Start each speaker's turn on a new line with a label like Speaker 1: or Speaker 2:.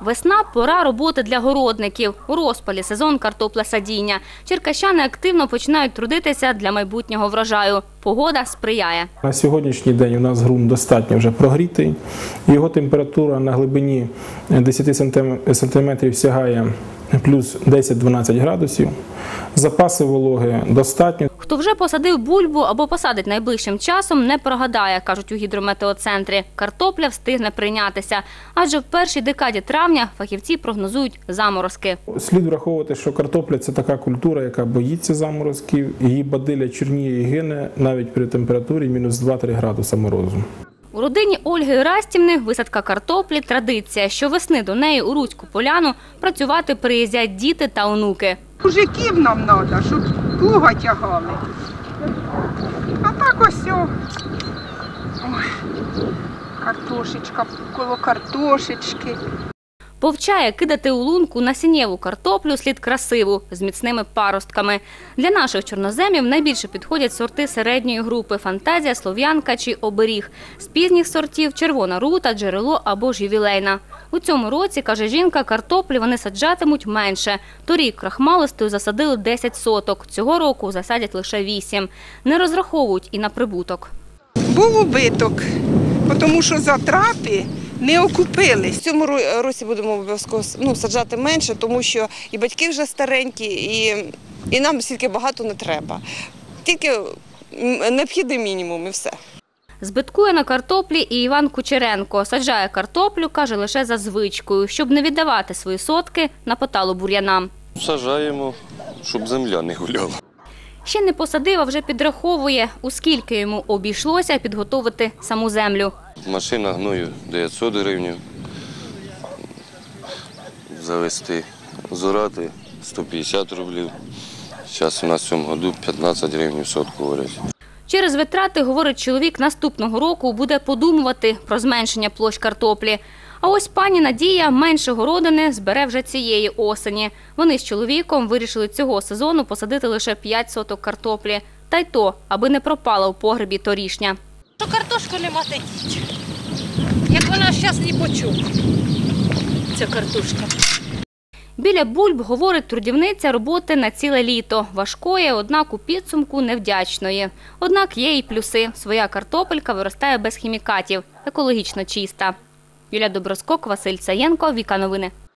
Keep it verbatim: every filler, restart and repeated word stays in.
Speaker 1: Весна – пора роботи для городників. У розпалі сезон картоплесадіння. Черкащани активно починають трудитися для майбутнього врожаю. Погода сприяє.
Speaker 2: На сьогоднішній день у нас ґрунт достатньо вже прогрітий. Його температура на глибині десять сантиметрів сягає плюс десять-дванадцять градусів. Запаси вологи достатньо.
Speaker 1: Хто вже посадив бульбу або посадить найближчим часом, не прогадає, кажуть у гідрометеоцентрі. Картопля встигне прийнятися. Адже в першій декаді травня фахівці прогнозують заморозки.
Speaker 2: Слід враховувати, що картопля – це така культура, яка боїться заморозків. Її бадилля чорніє і гине навіть при температурі мінус два-три градуса морозу.
Speaker 1: У родині Ольги Растівни висадка картоплі – традиція. Щовесни до неї у Руцьку поляну працювати приїздять діти та онуки.
Speaker 3: Мужиків нам треба, щоб плуга тягали. А так ось о. Ой, картошечка коло картошечки.
Speaker 1: Повчає кидати у лунку насіннєву картоплю слід красиву, з міцними паростками. Для наших чорноземів найбільше підходять сорти середньої групи – фантазія, слов'янка чи оберіг. З пізніх сортів – червона рута, джерело або ж ювілейна. У цьому році, каже жінка, картоплі вони саджатимуть менше. Торік крахмалистою засадили десять соток, цього року засадять лише вісім. Не розраховують і на прибуток.
Speaker 3: Був убиток, тому що затрати не окупились.
Speaker 4: В цьому році будемо обов'язково ну, саджати менше, тому що і батьки вже старенькі, і, і нам стільки багато не треба. Тільки необхідний мінімум і все.
Speaker 1: Збиткує на картоплі і Іван Кучеренко. Саджає картоплю, каже, лише за звичкою, щоб не віддавати свої сотки на поталу бур'янам.
Speaker 5: Саджаємо, щоб земля не гуляла.
Speaker 1: Ще не посадив, а вже підраховує, у скільки йому обійшлося підготовити саму землю.
Speaker 5: Машина гною дев'ятсот гривень, завести, зорати сто п'ятдесят рублів. Зараз у нас в цьому році п'ятнадцять гривень в сотку варять.
Speaker 1: Через витрати, говорить чоловік, наступного року буде подумувати про зменшення площ картоплі. А ось пані Надія менше городини збере вже цієї осені. Вони з чоловіком вирішили цього сезону посадити лише п'ять соток картоплі. Та й то, аби не пропала у погребі торішня.
Speaker 6: Що картошку не мати діть. Як вона зараз ні по чому, ця картошка.
Speaker 1: Біля бульб, говорить трудівниця, роботи на ціле літо. Важкої, однак у підсумку невдячної. Однак є і плюси. Своя картопелька виростає без хімікатів, екологічно чиста. Юлія Доброскок, Василь Саєнко, Віка Новини.